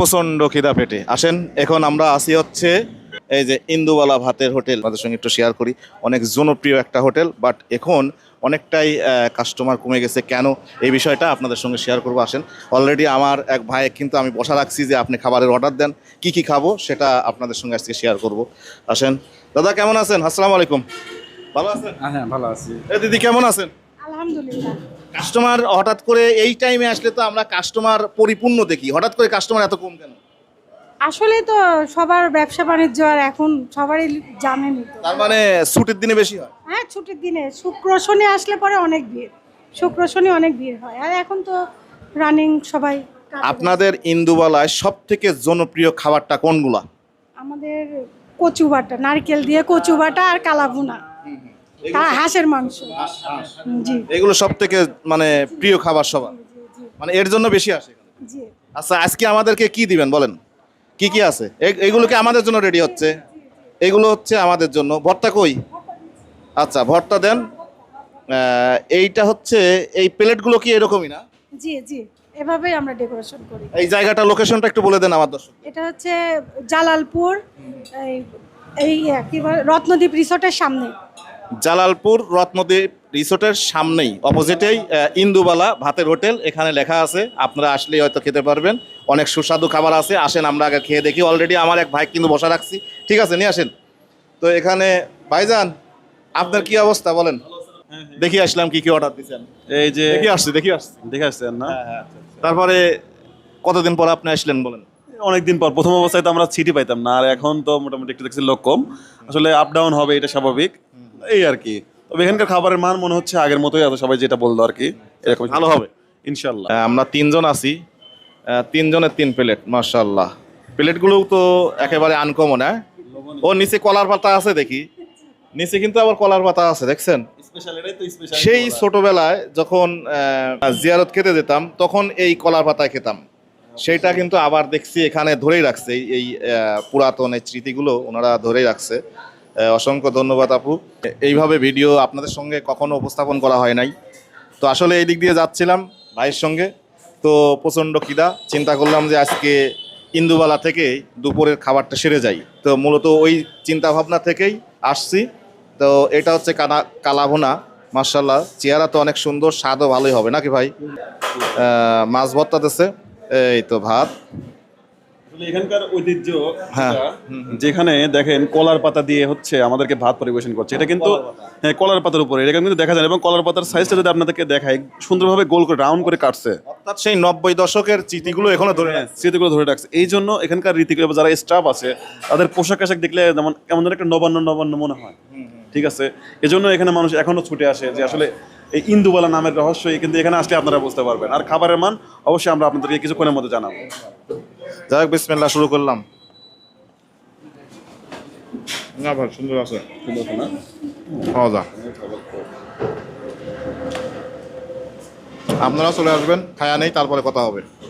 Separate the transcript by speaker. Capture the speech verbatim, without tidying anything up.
Speaker 1: প্রচন্ড খিদা পেটে। আসেন এখন আমরা আসি হচ্ছে এই যে ইন্দুবালা ভাতের হোটেল, আপনাদের সঙ্গে একটু শেয়ার করি। অনেক জনপ্রিয় একটা হোটেল, বাট এখন অনেকটাই কাস্টমার কমে গেছে। কেন এই বিষয়টা আপনাদের সঙ্গে শেয়ার করবো। আসেন, অলরেডি আমার এক ভাই কিন্তু আমি বসা রাখছি যে আপনি খাবারের অর্ডার দেন, কি কি খাবো সেটা আপনাদের সঙ্গে আজকে শেয়ার করব। আসেন দাদা, কেমন আছেন? আসসালামু আলাইকুম। ভালো আছেন?
Speaker 2: হ্যাঁ ভালো আছি।
Speaker 1: এ দিদি, কেমন আছেন?
Speaker 3: আলহামদুলিল্লাহ।
Speaker 1: কাস্টমার হঠাৎ করে এই টাইমে আসলে তো আমরা কাস্টমার পরিপূর্ণ দেখি, হঠাৎ করে কাস্টমার এত কম কেন?
Speaker 3: আসলে তো সবার ব্যবসা বাণিজ্য আর এখন সবারই জানেনই তো।
Speaker 1: তার মানে ছুটির দিনে বেশি হয়?
Speaker 3: হ্যাঁ, ছুটির দিনে শুক্র শনি আসলে পরে অনেক ভিড়, শুক্র শনি অনেক ভিড় হয়। আর এখন তো রানিং সবাই কাজে
Speaker 1: আপনাদের ইন্দুবালায় সব থেকে জনপ্রিয় খাবারটা কোনগুলা?
Speaker 3: ব্যস্ত। আমাদের কচু বাটা, নারকেল দিয়ে কচু বাটা আর কালাভুনা, তা হাঁসের মাংস। জি
Speaker 1: এগুলো সব থেকে মানে প্রিয় খাবার সবার, মানে এর জন্য বেশি আসে।
Speaker 3: জি।
Speaker 1: আচ্ছা, আজকে আমাদেরকে কি দিবেন বলেন, কি কি আছে? এ- এগুলো কি আমাদের জন্য রেডি হচ্ছে? এগুলো হচ্ছে আমাদের জন্য। ভর্তা কই? আচ্ছা, ভর্তা দেন। আহ, এইটা হচ্ছে, এই প্লেটগুলো কি এরকমই না?
Speaker 3: জি জি, এভাবেই আমরা ডেকোরেশন করি।
Speaker 1: এই জায়গাটা, লোকেশনটা একটু বলে দেন আমার দর্শক।
Speaker 3: এটা হচ্ছে জালালপুর, এই এই কি বলে, রত্নদ্বীপ রিসোর্টের সামনে।
Speaker 1: জালালপুর রত্নদ্বীপ রিসোর্টের সামনেই অপোজিটেই আহ, ইন্দুবালা ভাতের হোটেল, এখানে লেখা আছে। আপনারা আসলেই হয়তো খেতে পারবেন, অনেক সুস্বাদু খাবার আছে। আসেন আমরা আগে খেয়ে দেখি। অলরেডি আমার এক ভাই কিন্তু বসা রাখছি, ঠিক আছে, নিয়ে আসেন। তো এখানে ভাইজান, আপনার কি অবস্থা বলেন? দেখি আসলাম কি কি অর্ডার দিচ্ছেন।
Speaker 2: এই যে
Speaker 1: দেখি আসছি, দেখি আসছি।
Speaker 2: দেখে আসছেন না?
Speaker 1: তারপরে কতদিন পর আপনি আসলেন বলেন?
Speaker 2: অনেকদিন পর। প্রথম অবস্থায় তো আমরা সিটি পাইতাম না, আর এখন তো মোটামুটি একটু দেখছি লোক কম। আসলে আপ ডাউন হবে, এটা স্বাভাবিক, এই আর কি। তবে এখানকার খাবারের মান মনে হচ্ছে আগের মতোই আছে, সবাই যেটা বললো আর কি, এরকম
Speaker 1: ভালো হবে
Speaker 2: ইনশাল্লাহ।
Speaker 1: আহ, আমরা তিনজন আছি, আহ, তিনজনের তিন প্লেট, মাশাআল্লাহ। প্লেটগুলো তো একেবারে আনকমন। হ্যাঁ, ও নিচে কলার পাতা আছে দেখি, নিচে কিন্তু আবার কলার পাতা আছে, দেখছেন?
Speaker 2: স্পেশাল, এটাই তো স্পেশাল।
Speaker 1: সেই ছোটবেলায় যখন আহ, জিয়ারত খেতে যেতাম তখন এই কলার পাতায় খেতাম। সেইটা কিন্তু আবার দেখছি এখানে ধরেই রাখছে, এই- এই আহ, পুরাতন এই স্মৃতিগুলো ওনারা ধরেই রাখছে। আহ, অসংখ্য ধন্যবাদ আপু। এইভাবে ভিডিও আপনাদের সঙ্গে কখনো উপস্থাপন করা হয় নাই। তো আসলে এই দিক দিয়ে যাচ্ছিলাম ভাইয়ের সঙ্গে, তো প্রচণ্ড খিদা, চিন্তা করলাম যে আজকে ইন্দুবালা থেকে দুপুরের খাবারটা সেরে যাই। তো মূলত ওই চিন্তা ভাবনা থেকেই আসছি। তো এটা হচ্ছে কানা কালাভুনা, মার্শাল্লাহ, চেহারা তো অনেক সুন্দর, স্বাদও ভালোই হবে নাকি ভাই? আহ, মাছ ভর্তা দিচ্ছে, এই তো ভাত।
Speaker 2: আসলে এখানকার ঐতিহ্য,
Speaker 1: হ্যাঁ।
Speaker 2: যেটা, যেখানে দেখেন কলার পাতা দিয়ে হচ্ছে আমাদেরকে ভাত পরিবেশন করছে, এটা কিন্তু হ্যাঁ কলার পাতার উপরে, এটা কিন্তু দেখা যায়। এবং কলার পাতার সাইজটা যদি আপনাদেরকে দেখায়, সুন্দরভাবে গোল করে রাউন্ড করে কাটছে।
Speaker 1: অর্থাৎ সেই নব্বই দশকের স্মৃতিগুলো এখনো ধরে
Speaker 2: হ্যাঁ,
Speaker 1: রাখছে।
Speaker 2: স্মৃতিগুলো ধরে রাখছে। এই জন্য এখানকার রীতিগুলো, যারা স্টাফ আছে তাদের পোশাক আশাক দেখলে যেমন কেমন যেন একটা নবান্ন নবান্ন মনে হয়। ঠিক আছে, এজন্য এখানে মানুষ এখনো ছুটে আসে, যে আসলে এই ইন্দুবালা নামের রহস্য কিন্তু এখানে আসলে আপনারা বুঝতে পারবেন। আর খাবারের মান অবশ্যই আমরা আপনাদেরকে কিছুক্ষণের মধ্যে জানাবো।
Speaker 1: যাই হোক, বিসমিল্লাহ, শুরু করলাম। না ভাই, সুন্দর আছে, খাওয়া যা। আপনারা চলে আসবেন, খায়া নেই, তারপরে কথা হবে।